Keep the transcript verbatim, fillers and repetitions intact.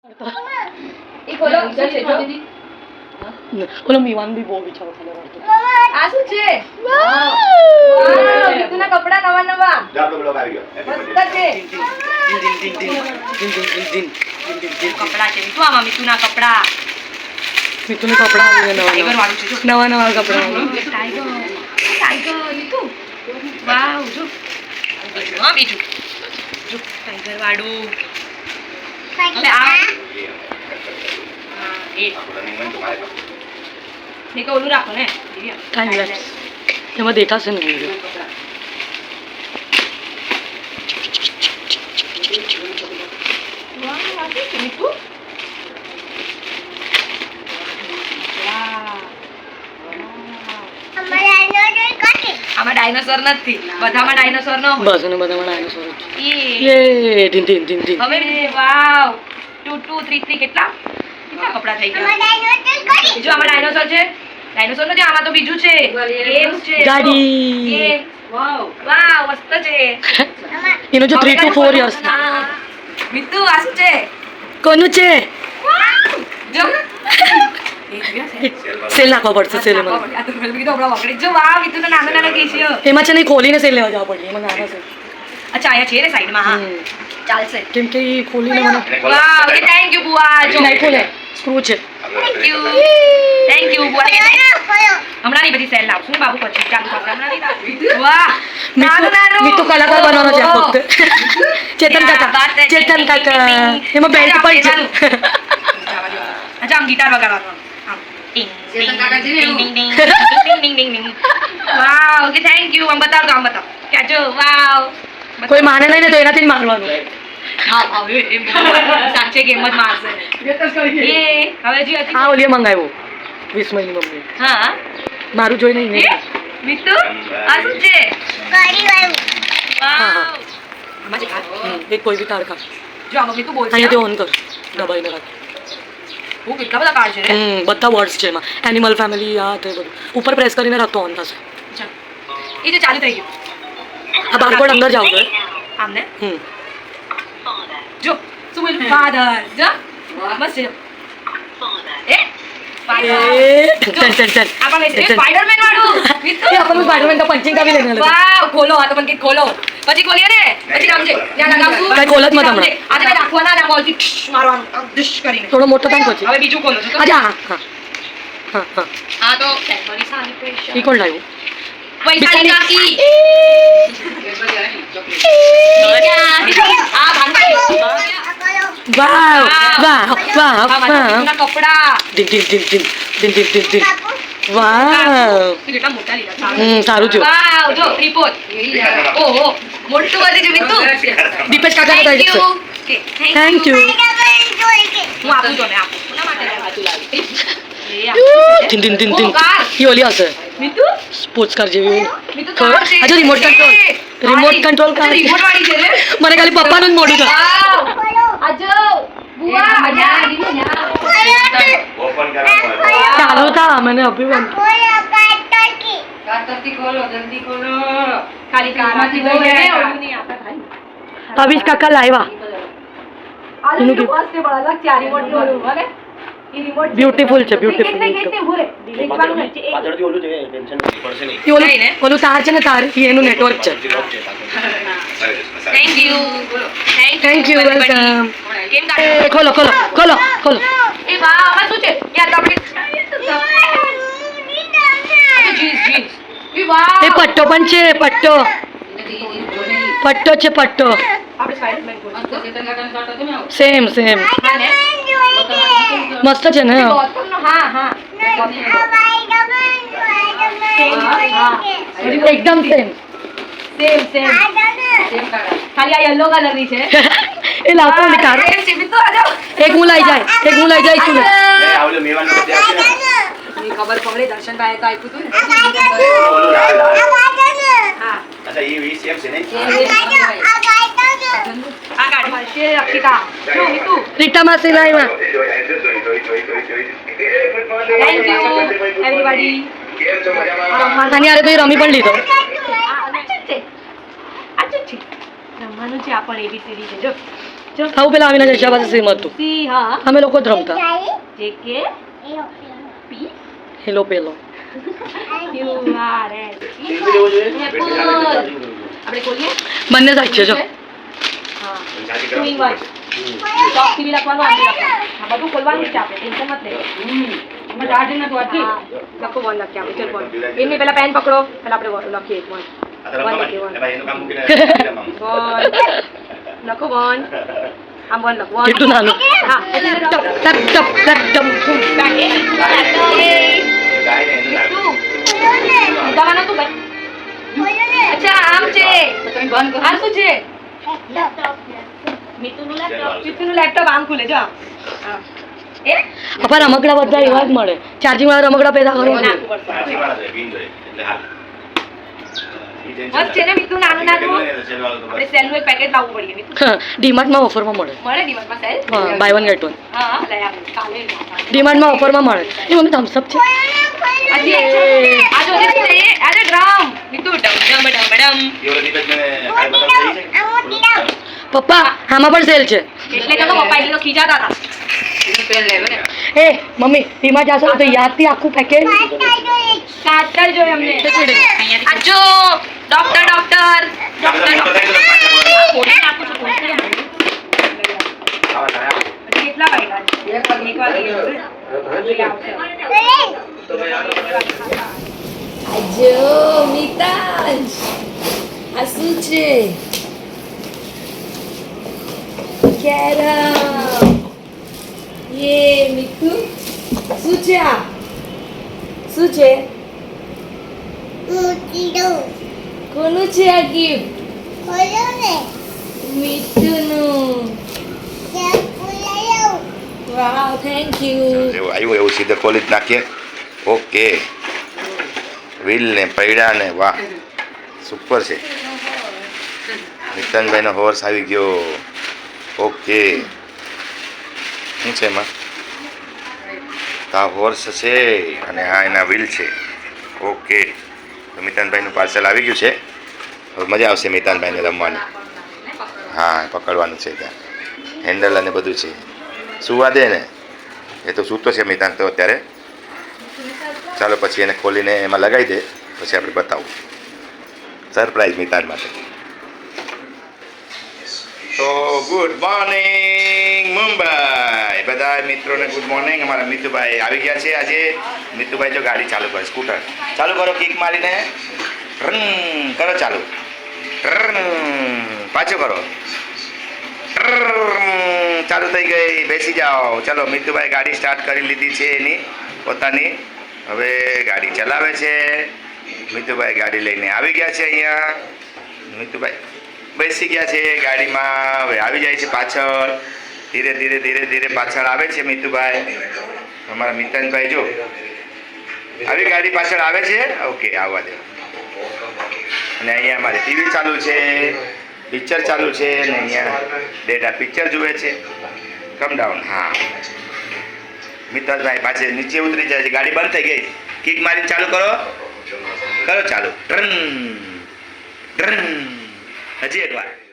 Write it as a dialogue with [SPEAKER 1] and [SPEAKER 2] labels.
[SPEAKER 1] એ ખોલો છે જો
[SPEAKER 2] ઓલો મીવાન બી બહુ વિચારો ખાલે વાળતો
[SPEAKER 1] આ શું છે વાવ મિતુના કપડા નવા નવા
[SPEAKER 3] જો આપણો બ્લોગ આવી ગયો
[SPEAKER 1] મસ્ત છે
[SPEAKER 2] દિન દિન દિન દિન દિન દિન દિન દિન દિન
[SPEAKER 1] કપડા છે મિતુ આમાં મિતુના કપડા
[SPEAKER 2] મિતુને કપડા આવે નવા
[SPEAKER 1] ટાઈગર વાળું છે જો
[SPEAKER 2] નવા નવા કપડા
[SPEAKER 1] ટાઈગર ટાઈગર મિતુ વાવ જો હા બીજું જો ટાઈગર વાળું હવે આ એ મેં ઓલું રાખો ને
[SPEAKER 2] ટાઈમ લેપ્સ એમાં દેખાશે ને વિડીયો
[SPEAKER 1] આમાં ડાયનોસોર નથી બધામાં ડાયનોસોર ન હોય
[SPEAKER 2] બસ અને બધામાં ડાયનોસોર
[SPEAKER 1] એ
[SPEAKER 2] યે ટીન ટીન ટીન ટીન
[SPEAKER 1] હવે wow two two three three કેટલા કેટલા કપડા થઈ ગયા જો આમાં ડાયનોસોર છે ડાયનોસોર નથી આમાં તો બીજું છે ગેમ્સ છે
[SPEAKER 2] ગાડી
[SPEAKER 1] ગેમ વાવ વાવ મસ્ત છે
[SPEAKER 2] એનો જો three two four years
[SPEAKER 1] Mitu આ શું છે
[SPEAKER 2] કોનું છે
[SPEAKER 1] જો
[SPEAKER 2] સેલ નાખવા પડશે સેલ એમાં
[SPEAKER 1] આ તો મેં કીધું હમણાં વગડી જો વાવ મિતુનો નાનો નાનો કેશિયો
[SPEAKER 2] એમાં છે ને ખોલીને સેલ લેવા જવા પડે એમાં નાના છે
[SPEAKER 1] અચ્છા અહીંયા છે ને સાઈડમાં હા ચાલશે
[SPEAKER 2] કેમ કે એ ખોલીને મને
[SPEAKER 1] વાવ કે થેન્ક યુ બુઆ જો
[SPEAKER 2] નહીં ખોલે સ્ક્રૂ છે
[SPEAKER 1] થેન્ક યુ થેન્ક યુ બુઆ હમણાં ની બધી સેલ લાવશું ને બાબુ પછી ચાલુ કરશે હમણાં નહીં લાવશું વાહ નાનું નાનું
[SPEAKER 2] મીતુ કલાકાર બનવાનો છે આ વખતે ચેતન કાકા ચેતન કાકા એમાં બેલ્ટ પણ છે
[SPEAKER 1] અચ્છા આમ ગિટાર વગાડવાનો આમ ટિંગ ચેતન કાકા છે ટિંગ ટિંગ ટિંગ ટિંગ ટિંગ ટિંગ વાવ કે થેન્ક યુ આમ બતાવ તો આમ બતાવ કે જો વાવ
[SPEAKER 2] કોઈ માને નહીં ને તો એનાથી જ મારવાનું
[SPEAKER 1] હા હવે એમ સાચે ગેમ જ મારશે એ હવે જી હતી
[SPEAKER 2] હા ઓલીએ મંગાવ્યો વીસ મહિની મમ્મી
[SPEAKER 1] હા
[SPEAKER 2] મારું જોઈને
[SPEAKER 1] એ
[SPEAKER 2] નહીં
[SPEAKER 1] મિતુ આ શું છે ગાડી વાળું વાવ આમાં છે કાર
[SPEAKER 2] એક કોઈ બી કાર કાર
[SPEAKER 1] જો આમાં મિતુ બોલ છે
[SPEAKER 2] અહીંયાથી ઓન કર દબાઈને રાખ
[SPEAKER 1] હું કેટલા બધા કાર છે રે
[SPEAKER 2] હમ બધા વર્ડ્સ છે એમાં એનિમલ ફેમિલી આ તે બધું ઉપર પ્રેસ કરીને રાખતો ઓન થશે
[SPEAKER 1] અચ્છા એ જે ચાલુ થઈ ગયું
[SPEAKER 2] આ બારકોડ અંદર જાવ છે
[SPEAKER 1] આમને
[SPEAKER 2] હમ
[SPEAKER 1] જો શું બોલ્યું ફાધર જો બસ છે એ
[SPEAKER 2] એ ચલ ચલ ચલ
[SPEAKER 1] આપણે સ્પાઈડરમેન વાળું મિતુ
[SPEAKER 2] એ આપણને સ્પાઈડરમેન તો પંચિંગ કાવી લેને
[SPEAKER 1] વાવ ખોલો આ તો પણ કે ખોલો પછી ખોલીએ ને પછી આમ છે ત્યાં લગાવશું
[SPEAKER 2] કઈ ખોલ જ મત હમણાં.
[SPEAKER 1] આજે મેં રાખવાના ના બોલથી મારવાનું આમ ડિશ કરીને
[SPEAKER 2] થોડો મોટો થાય પછી
[SPEAKER 1] હવે બીજું ખોલો છો તો
[SPEAKER 2] અચ્છા હા હા હા હા
[SPEAKER 1] આ તો કેડબરી સાની પ્રેશર
[SPEAKER 2] એ કોણ લાવ્યું
[SPEAKER 1] વૈશાલી કાકી આ ભાંગી
[SPEAKER 2] વાવ વાવ વાવ
[SPEAKER 1] આ
[SPEAKER 2] વાવ
[SPEAKER 1] મારા કપડા
[SPEAKER 2] દિન દિન દિન દિન દિન દિન દિન દિન વાવ
[SPEAKER 1] કેટલા મોટા લીધા
[SPEAKER 2] હમ સારું છે
[SPEAKER 1] વાવ જો ત્રિપોત ઓહો મોટું વધી છે મિતુ
[SPEAKER 2] દીપેશ કાકા
[SPEAKER 1] થેન્ક
[SPEAKER 2] બતાવી
[SPEAKER 1] યુ
[SPEAKER 2] છે થેન્ક યુ
[SPEAKER 1] હું આપું જો ને આપું કોના માટે લાવી
[SPEAKER 2] દિન દિન દિન દિન એ ઓલી હશે
[SPEAKER 1] મિતુ
[SPEAKER 2] સ્પોર્ટ્સ કાર જેવી
[SPEAKER 1] મિતુ કાર છે
[SPEAKER 2] હજુ remote control remote control car
[SPEAKER 1] remote વાળી છે રે
[SPEAKER 2] મને ખાલી પપ્પાનું જ મોઢું છે
[SPEAKER 1] વાવ આજો બુઆ આજા
[SPEAKER 3] ઓપન કરવાનું
[SPEAKER 2] ચાલુ થા મને અભિમાન
[SPEAKER 1] કાતરથી ખોલો જલ્દી ખોલો ખાલી કારમાંથી લઈ જાય ઓલું નહીં આપા ખાલી
[SPEAKER 2] અભિષ કાકા લાવ્યા
[SPEAKER 1] આ
[SPEAKER 2] એનું
[SPEAKER 1] તો ફર્સ્ટ ટેબલ અલગ છે આ રિમોટ નું ઓલું ભલે ઈ રિમોટ
[SPEAKER 2] બ્યુટીફુલ છે બ્યુટીફુલ
[SPEAKER 1] કેટલે ભૂરે દેખવાનું નથી
[SPEAKER 3] પાછળથી ઓલું છે ટેન્શન પડશે નહીં
[SPEAKER 2] એ ઓલું ઓલું તાર છે ને તાર એ એનું નેટવર્ક છે
[SPEAKER 1] થેન્ક યુ બોલો
[SPEAKER 2] થેન્ક યુ વેલકમ
[SPEAKER 1] કેમ
[SPEAKER 2] એ
[SPEAKER 1] કાઢો
[SPEAKER 2] ખોલો ખોલો ખોલો ખોલો
[SPEAKER 1] એ વાહ આમાં શું છે યાર તો આપણે જીન્સ જીન્સ એ વાહ
[SPEAKER 2] એ પટ્ટો પણ છે પટ્ટો પટ્ટો છે પટ્ટો
[SPEAKER 1] આપણે સ્પાઈડરમેન બોલ
[SPEAKER 2] સેમ સેમ
[SPEAKER 1] હા ને
[SPEAKER 2] મસ્ત છે ને
[SPEAKER 1] ગૌતમનો હા હા
[SPEAKER 2] એકદમ સેમ
[SPEAKER 1] સેમ સેમ ખાલી આ યલો કલર ની છે
[SPEAKER 2] એ લાવતો ને કાર
[SPEAKER 1] એમ છે મિતુ આ જાઓ
[SPEAKER 2] એક હું લઈ જાય એક હું લઈ જાય તું
[SPEAKER 3] એ આવલે મેવાન નો દે આપે
[SPEAKER 1] ની ખબર પડે દર્શન ભાઈ તો આપ્યું તું ને
[SPEAKER 3] ઓલું લાલ લાલ
[SPEAKER 1] હા
[SPEAKER 3] અચ્છા એ વીસ એમ છે ને
[SPEAKER 1] આ ગાડી છે અક્ષિતા જો મિતુ
[SPEAKER 2] રીટા માસી લાવ્યા
[SPEAKER 1] થેન્ક યુ એવરીબોડી
[SPEAKER 2] આની હારે તો એ રમી પણ લીધો
[SPEAKER 1] આ છે આ છે રમવાનું છે આ પણ એબીસીડી છે જો જો
[SPEAKER 2] આવું પેલા આવીને જશા પાસે સેમ હતું
[SPEAKER 1] સી હા
[SPEAKER 2] અમે લોકો જ રમતા
[SPEAKER 1] જે કે પી
[SPEAKER 2] હેલો પેલો
[SPEAKER 1] યુ આર એસ
[SPEAKER 3] ટીવી લેવું જોઈએ
[SPEAKER 1] Apple.
[SPEAKER 3] બેટરી ચાર્જિંગ ચાર્જિંગ કરવું.
[SPEAKER 1] આપણે ખોલીએ
[SPEAKER 2] બંને સાઈડ છે જો
[SPEAKER 1] હા
[SPEAKER 3] ચાર્જિંગ
[SPEAKER 1] ટુ ઇન
[SPEAKER 3] કરાવવું.
[SPEAKER 1] વન ચોકથી બી લખવાનું આમ બી લખવાનું આ બધું ખોલવાનું જ છે આપણે ટેન્શન મત લે એમાં ચાર્જિંગ નથી હોતી લખો વન લખીએ આપણે ચલ વન એમને પહેલા પેન પકડો પહેલા આપણે વન લખીએ વન
[SPEAKER 3] આ તો
[SPEAKER 1] વન
[SPEAKER 3] રમવા
[SPEAKER 1] લખીએ
[SPEAKER 3] માટે.
[SPEAKER 1] વન
[SPEAKER 3] એમાં એનું કામ મૂકીને રમવાનું.
[SPEAKER 1] વન લખો વન આમ વન લખો વન
[SPEAKER 2] કેટલું નાનું
[SPEAKER 1] હા એટલે
[SPEAKER 2] ટપ ટપ ટપ ટપ ટપ
[SPEAKER 3] ગાય ને એનું નામ.
[SPEAKER 1] દવા નતું ભાઈ અચ્છા આમ છે તમે બંધ કરો આ શું છે મિતુનું લેપટોપ મિતુનું લેપટોપ આમ ખુલે જો આમ. હા એ
[SPEAKER 2] અપા રમકડા બધા એવા જ મળે ચાર્જિંગ વાળા રમકડા પેદા કરો
[SPEAKER 1] નાખવું પડશે
[SPEAKER 3] ચાર્જિંગ વાળા છે, પિન જોઈએ. એટલે હાલ. ઈ ટેન્શન
[SPEAKER 1] બસ છે ને મિતુ નાનું નાનું
[SPEAKER 3] પેકેટ લઈને સેલ વાળો તો બસ.
[SPEAKER 1] આપણે સેલનું એક પેકેટ લાવવું પડે મિતુ
[SPEAKER 2] ડીમાર્ટમાં ઓફરમાં મળે
[SPEAKER 1] મળે ડિમાર્ટમાં સેલ
[SPEAKER 2] હા બાય વન ગેટ વન
[SPEAKER 1] હા હા લઈ આવું કાલે
[SPEAKER 2] ડીમાર્ટમાં ઓફરમાં મળે એ મમ્મી થમ્સઅપ છે
[SPEAKER 1] હજી એક છે આ જો છે એ આ ડ્રમ મિતુ ડમ ડમ ડમ ડમ
[SPEAKER 3] એ ઓલો દીપકને કાંઈ બતાવવું થઈ છે?
[SPEAKER 2] પપ્પા આમાં પણ સેલ છે
[SPEAKER 1] એટલે કે તો પપ્પા એટલે તો ખીજાતા હતા
[SPEAKER 2] એ મમ્મી ડીમાર્ટ જાશો ને તો યાદથી આખું પેકેટ
[SPEAKER 1] કાટર જોઈ અમને આ જો ડોક્ટર ડોક્ટર
[SPEAKER 3] આ
[SPEAKER 1] ડોક્ટર
[SPEAKER 3] બધા મોટો થાય તો પાછા બોલાવે.
[SPEAKER 1] કોડી નાખું છું કોડી નાખું
[SPEAKER 3] આવા થાય, આવા.
[SPEAKER 1] કેટલા વાગ્યા છે એક વાર લઈ આવશે
[SPEAKER 4] Ajo, Mitaj. Asuche. Carol. Ye, Mitu. Sucha. Suche. Koનું છે આ gift? મીતુનું. Wow, thank you.
[SPEAKER 3] જેવું આવ્યું એવું સીધે ખોલી જ નાખીએ. ઓકે વ્હીલ ને પૈડા ને વાહ સુપર છે. નિતનભાઈનો હોર્સ આવી ગયો. ઓકે શું છે એમાં? તો આ હોર્સ છે અને આ એના વ્હીલ છે. ઓકે તો મિતાનભાઈનું પાર્સલ આવી ગયું છે. હવે મજા આવશે મિતાનભાઈને રમવાની. હા પકડવાનું છે ત્યાં હેન્ડલ અને બધું છે. સુવા દે ને એ તો સૂતો છે મિતાન તો અત્યારે. ચાલો પછી એને ખોલીને એમાં લગાવી દે પછી આપણે બતાવું સરપ્રાઈઝ મિતાન માટે. તો ગુડ મોર્નિંગ મુંબઈ બધા મિત્રોને ગુડ મોર્નિંગ. અમારા મિતુભાઈ આવી ગયા છે આજે. મિતુભાઈ જો ગાડી ચાલુ કરે સ્કૂટર ચાલુ કરો કિક મારીને રન કરો ચાલુ રન પાછું કરો રન ચાલુ થઈ ગઈ. બેસી જાઓ. ચલો મિતુભાઈ ગાડી સ્ટાર્ટ કરી લીધી છે એની પોતાની. હવે ગાડી ચલાવે છે. મિતુભાઈ ગાડી લઈને આવી ગયા છે અહીંયા. મિતુભાઈ બેસી ગયા છે ગાડીમાં. હવે આવી જાય છે પાછળ. ધીરે ધીરે ધીરે ધીરે પાછળ આવે છે મિતુભાઈ. અમારા મિતનભાઈ જો આવી ગાડી પાછળ આવે છે. ઓકે આવવા દે. અને અહીંયા અમારે ટીવી ચાલુ છે, પિક્ચર ચાલુ છે અને અહીંયા ડેટા પિક્ચર જુએ છે. Come down. હા મિતનભાઈ પાછળ નીચે ઉતરી જાય છે. ગાડી બંધ થઈ ગઈ. કિક મારીને ચાલુ કરો કરો ચાલુ ટ્રન ટ્રન હજી એક વાર